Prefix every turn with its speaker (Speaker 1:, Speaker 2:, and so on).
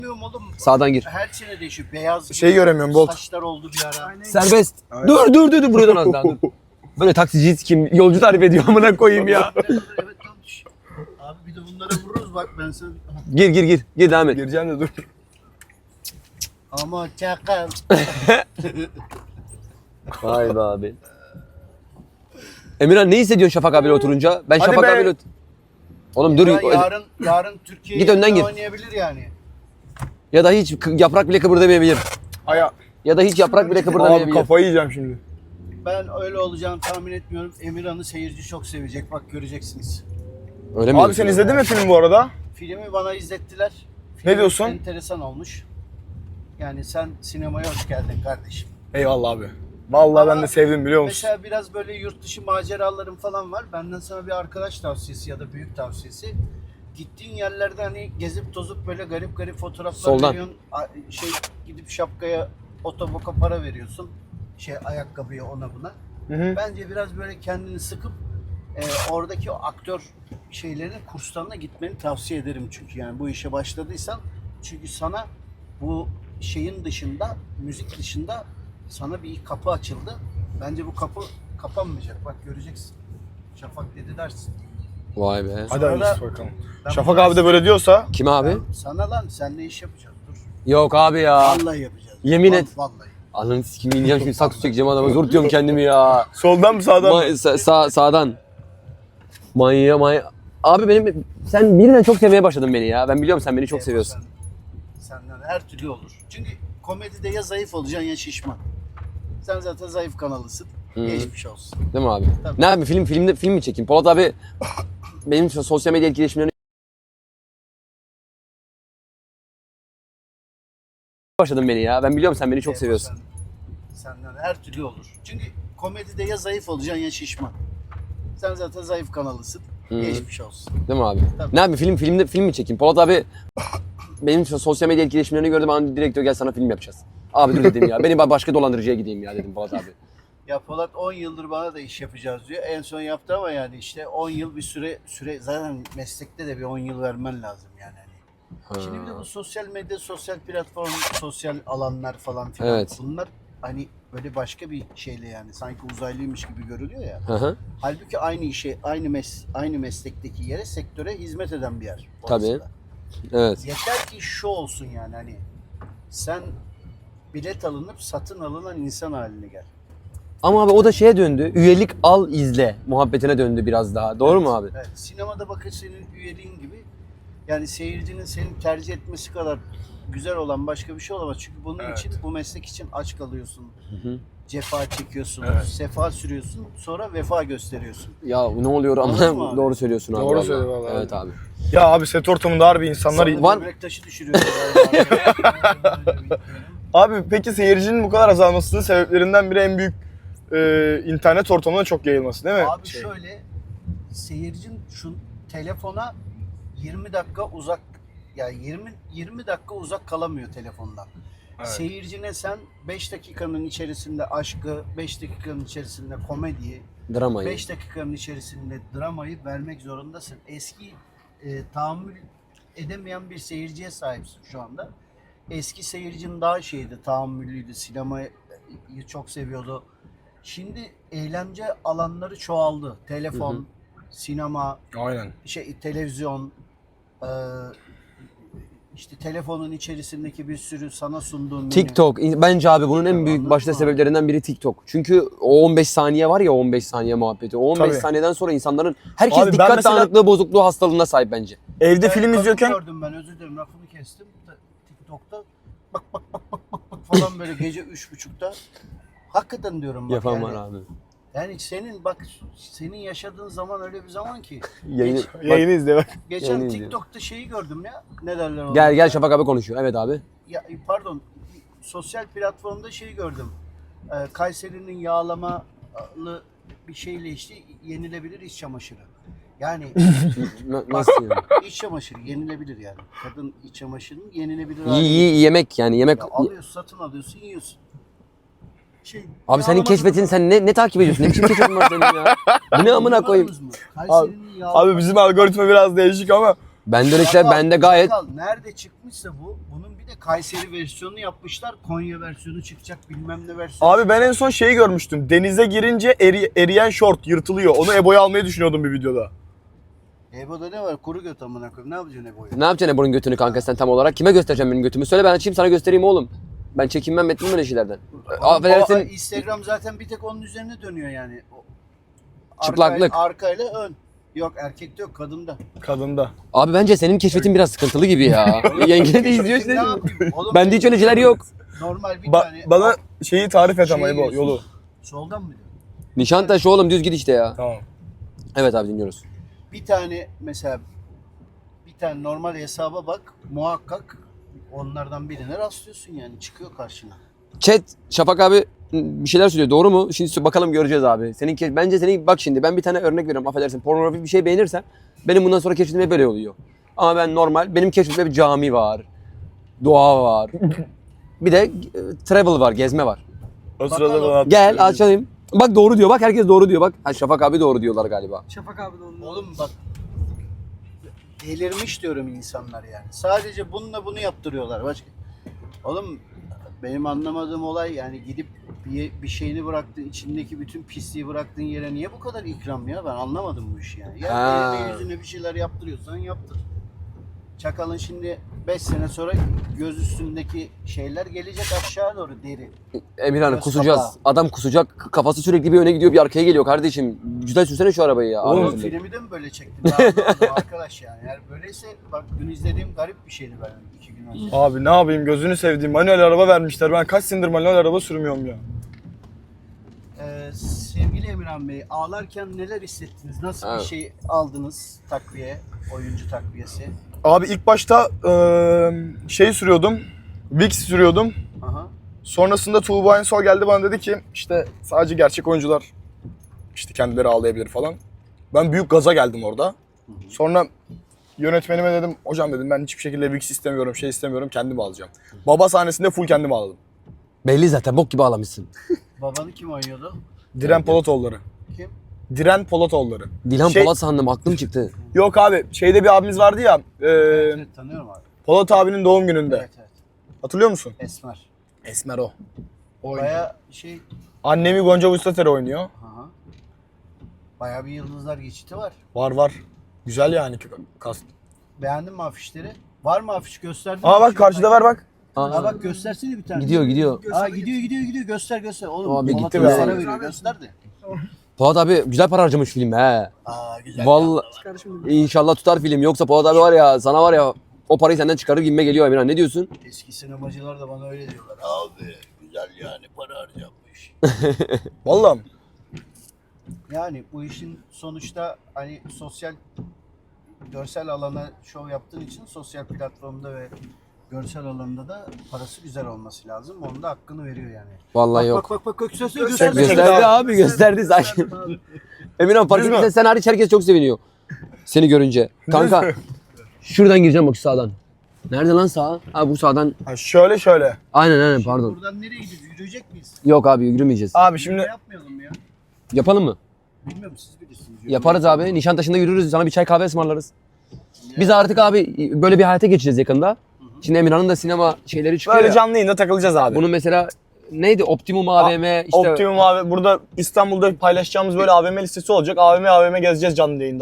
Speaker 1: Oğlum,
Speaker 2: Sağdan gir.
Speaker 1: her sene değişiyor. Beyaz
Speaker 3: Şey göremiyorum, Bolt.
Speaker 1: saçlar oldu bir ara.
Speaker 2: Serbest. Dur buradan az daha dur. Böyle taksici kim yolcu tarif ediyor amına koyayım ya.
Speaker 1: Evet tam düş. Abi bir de bunlara vururuz bak ben sana.
Speaker 2: Gir devam et.
Speaker 3: Gireceğim de dur.
Speaker 1: Ama çakal.
Speaker 2: Vay be abi. Emirhan ne hissediyorsun Şafak abiyle oturunca? Ben
Speaker 3: Hadi
Speaker 2: Şafak
Speaker 3: be.
Speaker 2: abiyle Oğlum dur.
Speaker 1: Yarın Türkiye
Speaker 2: Git önden gir.
Speaker 1: oynayabilir yani.
Speaker 2: Ya da hiç yaprak bile kıpırdamayabilir.
Speaker 3: Aya.
Speaker 2: Ya da hiç yaprak bile
Speaker 3: Abi
Speaker 2: kıpırdamayabilir.
Speaker 3: kafayı yiyeceğim şimdi.
Speaker 1: Ben öyle olacağını tahmin etmiyorum. Emirhan'ı seyirci çok sevecek. Bak göreceksiniz.
Speaker 2: Öyle mi?
Speaker 3: Abi sen izledin mi film bu arada?
Speaker 1: Filmi bana izlettiler. Film
Speaker 3: Ne diyorsun?
Speaker 1: enteresan olmuş. Yani sen sinemaya hoş geldin kardeşim.
Speaker 3: Eyvallah abi. Vallahi ben de sevdim biliyor musun?
Speaker 1: Mesela biraz böyle yurt dışı maceralarım falan var. Benden sana bir arkadaş tavsiyesi ya da büyük tavsiyesi. Gittiğin yerlerde hani gezip tozup böyle garip fotoğraflar
Speaker 2: Soldan.
Speaker 1: veriyorsun. Gidip şapkaya otoboka para veriyorsun. Ayakkabıya ona buna.
Speaker 3: Hı.
Speaker 1: Bence biraz böyle kendini sıkıp oradaki o aktör şeylerin kurslarına gitmeni tavsiye ederim çünkü yani bu işe başladıysan çünkü sana bu şeyin dışında müzik dışında sana bir kapı açıldı. Bence bu kapı kapanmayacak. Bak göreceksin. Şafak dedi dersin.
Speaker 2: Vay be.
Speaker 3: Hadi
Speaker 1: Sonra
Speaker 3: hayırlısı bakalım.
Speaker 1: ben
Speaker 3: Şafak abi de böyle diyorsa.
Speaker 2: Kim abi?
Speaker 1: Sana lan senle iş yapacağız. Dur.
Speaker 2: Yok abi ya.
Speaker 1: Vallahi yapacağız.
Speaker 2: Yemin et.
Speaker 1: Vallahi.
Speaker 2: Ananı sikimi ineceğim şimdi saksı çekeceğim adama. Zor tutuyorum kendimi ya.
Speaker 3: Soldan mı sağdan mı?
Speaker 2: Sağdan. Manya. Abi sen birden çok sevmeye başladın beni ya. Ben biliyorum sen beni çok seviyorsun.
Speaker 1: Senden her türlü olur. Çünkü komedide ya zayıf olacaksın ya şişman. Sen zaten zayıf kanalısın. Geçmiş olsun.
Speaker 2: Değil mi abi?
Speaker 1: Tabii.
Speaker 2: Ne yapayım film mi çekeyim? Polat abi benim sosyal medya etkileşimlerini başladın beni ya. Ben biliyorum sen beni çok seviyorsun.
Speaker 1: Senden her türlü olur. Çünkü komedide ya zayıf olacaksın ya şişman. Sen zaten zayıf kanalısın. Geçmiş olsun.
Speaker 2: Değil mi abi?
Speaker 1: Tabii.
Speaker 2: Ne yapayım film mi çekeyim? Polat abi benim sosyal medya etkileşimlerini gördüm. Bana direktör gel sana film yapacağız. Abi dur dedim ya. Beni başka dolandırıcıya gideyim ya dedim Polat abi.
Speaker 1: Ya Polat 10 yıldır bana da iş yapacağız diyor. En son yaptı ama yani işte 10 yıl bir süre zaten meslekte de bir 10 yıl vermen lazım yani. Şimdi bir de bu sosyal medya, sosyal platform, sosyal alanlar falan filan.
Speaker 2: Evet.
Speaker 1: Bunlar hani böyle başka bir şeyle yani sanki uzaylıymış gibi görülüyor ya.
Speaker 2: Hı hı.
Speaker 1: Halbuki aynı işe, aynı meslekteki yere, sektöre hizmet eden bir yer.
Speaker 2: Tabii.
Speaker 1: orası da.
Speaker 2: Evet.
Speaker 1: Yeter ki şu olsun yani hani sen bilet alınıp satın alınan insan haline gel.
Speaker 2: Ama abi o da şeye döndü. Üyelik al izle muhabbetine döndü biraz daha. Doğru mu abi?
Speaker 1: Evet. Sinemada bakın senin üyeliğin gibi yani seyircinin seni tercih etmesi kadar güzel olan başka bir şey olamaz. Çünkü bunun için, bu meslek için aç kalıyorsun. Cefa çekiyorsun, sefa sürüyorsun, sonra vefa gösteriyorsun.
Speaker 2: Ya ne oluyor
Speaker 1: Anladın mı
Speaker 2: ama
Speaker 1: abi?
Speaker 2: doğru söylüyorsun abi.
Speaker 3: Doğru
Speaker 2: vallahi.
Speaker 3: söylüyor vallahi.
Speaker 2: Evet abi.
Speaker 3: Ya abi set ortamında harbi insanlar...
Speaker 1: Sana
Speaker 2: Var-
Speaker 1: böbrek taşı düşürüyorsun.
Speaker 3: Abi peki seyircinin bu kadar azalmasının sebeplerinden biri en büyük internet ortamına çok yayılması değil mi?
Speaker 1: Abi şöyle, seyircin şu telefona 20 dakika uzak, yani 20 dakika uzak kalamıyor telefondan.
Speaker 3: Evet.
Speaker 1: Seyircine sen 5 dakikanın içerisinde aşkı, 5 dakikanın içerisinde komediyi,
Speaker 2: Dramayı.
Speaker 1: 5 dakikanın içerisinde dramayı vermek zorundasın. Eski tahammül edemeyen bir seyirciye sahipsin şu anda. Eski seyircinin daha şeydi, tahammüllüydü, sinemayı çok seviyordu. Şimdi eğlence alanları çoğaldı. Telefon, sinema,
Speaker 3: Aynen.
Speaker 1: televizyon, işte telefonun içerisindeki bir sürü sana sunduğun menü.
Speaker 2: TikTok. Bence abi bunun en büyük
Speaker 1: Anladın
Speaker 2: başta
Speaker 1: mı?
Speaker 2: sebeplerinden biri TikTok. Çünkü o 15 saniye var ya, 15 saniye muhabbeti. O 15
Speaker 3: Tabii.
Speaker 2: saniyeden sonra insanların herkes
Speaker 3: Abi ben
Speaker 2: dikkat
Speaker 3: mesela-
Speaker 2: dağınıklığı bozukluğu hastalığına sahip bence.
Speaker 3: Evde
Speaker 1: Evet,
Speaker 3: film
Speaker 1: kadın
Speaker 3: izliyorken...
Speaker 1: gördüm ben, özür dilerim lafını kestim. TikTok'ta bak falan böyle gece 3.30'da. Hakikaten diyorum bak
Speaker 2: Yapan
Speaker 1: yani.
Speaker 2: var abi.
Speaker 1: Yani senin yaşadığın zaman öyle bir zaman ki.
Speaker 2: Yayını,
Speaker 3: Yayını izle bak.
Speaker 1: Geçen
Speaker 2: yayını izliyorum.
Speaker 1: TikTok'ta şeyi gördüm ya. Ne derler ona?
Speaker 2: Gel Şafak abi konuşuyor. Evet abi.
Speaker 1: Ya, pardon. Sosyal platformda şeyi gördüm. Kayseri'nin yağlamalı bir şeyle işte yenilebilir iç çamaşırı. Yani
Speaker 2: Nasıl yani?
Speaker 1: iç çamaşırı yenilebilir yani. Kadın iç çamaşırının yenilebilir
Speaker 2: İyi yemek yani yemek.
Speaker 1: Ya alıyorsun, satın alıyorsun, yiyorsun.
Speaker 2: Abi senin keşfetin, sen ne takip ediyorsun? Ne biçim keşfetin var senin ya? Bu ne amına koyayım?
Speaker 1: Kayseri'nin yağlama.
Speaker 3: Abi bizim algoritma biraz değişik ama
Speaker 2: Bende öyle şeyler,
Speaker 1: Çakal,
Speaker 2: bende gayet...
Speaker 1: Çakal nerede çıkmışsa bunun bir de Kayseri versiyonunu yapmışlar. Konya versiyonu çıkacak, bilmem ne versiyonu.
Speaker 3: Abi ben en son şeyi görmüştüm. Denize girince eriyen şort yırtılıyor. Onu Ebo'ya almayı düşünüyordum bir videoda.
Speaker 1: Ebo'da ne var? Kuru göt amına koyayım. Ne yapacaksın Ebo'yu?
Speaker 2: Ne yapacaksın bunun götünü kanka sen tam olarak? Kime göstereceğim benim götümü? Söyle ben açayım sana göstereyim oğlum. Ben çekinmem etmem öyle şeylerden. Affedersin.
Speaker 1: Instagram zaten bir tek onun üzerine dönüyor yani.
Speaker 2: Çıplaklık.
Speaker 1: Arkayla ön. Yok erkekte yok, kadında.
Speaker 3: Kadında.
Speaker 2: Abi bence senin keşfetin biraz sıkıntılı gibi ya. Yenge de izliyor işte.
Speaker 1: Ne yapayım? Oğlum,
Speaker 2: Bende hiç öyle şeyler yok.
Speaker 1: normal bir tane.
Speaker 3: Bana şeyi tarif et ama
Speaker 1: Şey
Speaker 3: Ebo,
Speaker 1: diyorsun.
Speaker 3: yolu.
Speaker 1: Soldan mı diyor?
Speaker 2: Nişantaşı oğlum düz git işte ya.
Speaker 3: Tamam.
Speaker 2: Evet abi dinliyoruz.
Speaker 1: Bir tane mesela bir tane normal hesaba bak, muhakkak onlardan birine rastlıyorsun yani, çıkıyor karşına.
Speaker 2: Chat Şafak abi bir şeyler söylüyor doğru mu? Şimdi bakalım göreceğiz abi. Bence senin bak şimdi ben bir tane örnek veriyorum affedersin. Pornografik bir şey beğenirsem benim bundan sonra keşfetim hep böyle oluyor. Ama ben normal benim keşfetimde bir cami var. Doğa var. Bir de travel var, gezme var.
Speaker 3: O sırada
Speaker 1: Bakalım.
Speaker 3: bana
Speaker 2: Gel açalım. Bak doğru diyor. Bak herkes doğru diyor. Bak ha, Şafak abi doğru diyorlar galiba.
Speaker 4: Şafak abi de onun.
Speaker 1: Oğlum bak, delirmiş diyorum insanlar yani. Sadece bununla bunu yaptırıyorlar. Başka. Oğlum benim anlamadığım olay yani, gidip bir şeyini bıraktığın, içindeki bütün pisliği bıraktığın yere niye bu kadar ikram ya? Ben anlamadım bu işi yani. Ya
Speaker 2: Ha.
Speaker 1: eline yüzüne bir şeyler yaptırıyorsan yaptır. Çakalın şimdi 5 sene sonra göz üstündeki şeyler gelecek aşağı doğru, deri.
Speaker 2: Emirhan
Speaker 1: Göz
Speaker 2: kusacağız.
Speaker 1: kapağı.
Speaker 2: Adam kusacak. Kafası sürekli bir öne gidiyor bir arkaya geliyor kardeşim. Güzel sürsene şu arabayı ya.
Speaker 3: Oğlum,
Speaker 2: Abi,
Speaker 1: Filmi de mi böyle çektim? Daha anlamadım arkadaş yani. Eğer böyleyse bak, dün izlediğim garip bir şeydi ben 2 gün önce.
Speaker 3: Abi ne yapayım, gözünü sevdiğim manuel araba vermişler. Ben kaç senedir manuel araba sürmüyorum ya.
Speaker 1: Sevgili Emirhan Bey, ağlarken neler hissettiniz? Nasıl
Speaker 2: Evet.
Speaker 1: bir şey aldınız takviye, oyuncu takviyesi?
Speaker 3: Abi ilk başta şey sürüyordum. Vicks sürüyordum.
Speaker 1: Aha.
Speaker 3: Sonrasında Tuğba Ensol geldi bana dedi ki işte sadece gerçek oyuncular işte kendileri ağlayabilir falan. Ben büyük gaza geldim orada. Sonra yönetmenime dedim, hocam dedim ben hiçbir şekilde Vicks istemiyorum, şey istemiyorum, kendim alacağım. Baba sahnesinde full kendim ağladım.
Speaker 2: belli zaten bok gibi ağlamışsın.
Speaker 1: Babanı kim oynuyordu?
Speaker 3: Diren Polatoğulları.
Speaker 1: Kim?
Speaker 3: Diren Polatoğulları.
Speaker 2: Dilan
Speaker 3: Şey-
Speaker 2: Polat sandım aklım çıktı.
Speaker 3: Yok abi, şeyde bir abimiz vardı ya,
Speaker 1: Evet, tanıyorum abi.
Speaker 3: Polat abinin doğum gününde.
Speaker 1: Evet evet.
Speaker 3: Hatırlıyor musun?
Speaker 1: Esmer.
Speaker 3: Esmer o.
Speaker 1: Baya şey,
Speaker 3: Annemi Gonca Vustater oynuyor.
Speaker 1: aha. Baya bir yıldızlar geçiti var.
Speaker 3: Var. Güzel yani kast.
Speaker 1: Beğendin mi afişleri? Var mı afiş, gösterdin mi?
Speaker 3: Aa bak karşıda var bak.
Speaker 1: Aa bak, göstersene bir tane.
Speaker 2: Gidiyor.
Speaker 1: Aa gidiyor, göster. Oğlum
Speaker 2: Abi
Speaker 1: Polat
Speaker 2: gitti
Speaker 1: abi
Speaker 3: be.
Speaker 1: sana veriyor, göster de.
Speaker 2: Polat abi güzel para harcamış film he.
Speaker 1: Aa güzel.
Speaker 2: Vallahi
Speaker 4: Kardeşim
Speaker 2: inşallah tutar film. Yoksa Polat abi var ya sana var ya o parayı senden çıkarır gibime geliyor Emirhan. Ne diyorsun?
Speaker 1: Eski sinemacılar da bana öyle diyorlar. Abi güzel yani, para harcanmış.
Speaker 3: Vallahi.
Speaker 1: Yani bu işin sonuçta hani sosyal, görsel alana şov yaptığın için sosyal platformda ve görsel alanda da parası güzel olması lazım. Onun da hakkını veriyor yani.
Speaker 2: Vallahi yok.
Speaker 1: Bak gösterdi.
Speaker 2: Gösterdi abi gösterdi sakin. Emirhan fark
Speaker 3: Düz mü?
Speaker 2: ettiysen sen hariç herkes çok seviniyor. Seni görünce. Kanka şuradan gireceğim bak şu sağdan. Nerede lan sağ? Ha bu sağdan.
Speaker 3: Ha, şöyle.
Speaker 2: Aynen pardon.
Speaker 1: Buradan nereye gideceğiz? Yürüyecek miyiz?
Speaker 2: Yok abi yürümeyeceğiz.
Speaker 3: Abi
Speaker 1: Ne
Speaker 3: şimdi
Speaker 1: yapmayalım ya?
Speaker 2: Yapalım mı?
Speaker 1: Bilmiyorum, siz bilirsiniz.
Speaker 2: Yaparız abi. Nişantaşı'nda yürürüz. Sana bir çay kahve ısmarlarız. Biz artık abi böyle bir hayata geçeceğiz yakında. Şimdi Emirhan'ın da sinema şeyleri çıkıyor
Speaker 3: böyle
Speaker 2: ya.
Speaker 3: canlı yayında takılacağız abi.
Speaker 2: Bunun mesela neydi? Optimum AVM işte.
Speaker 3: Optimum abi, burada İstanbul'da paylaşacağımız böyle AVM listesi olacak. AVM gezeceğiz canlı yayında.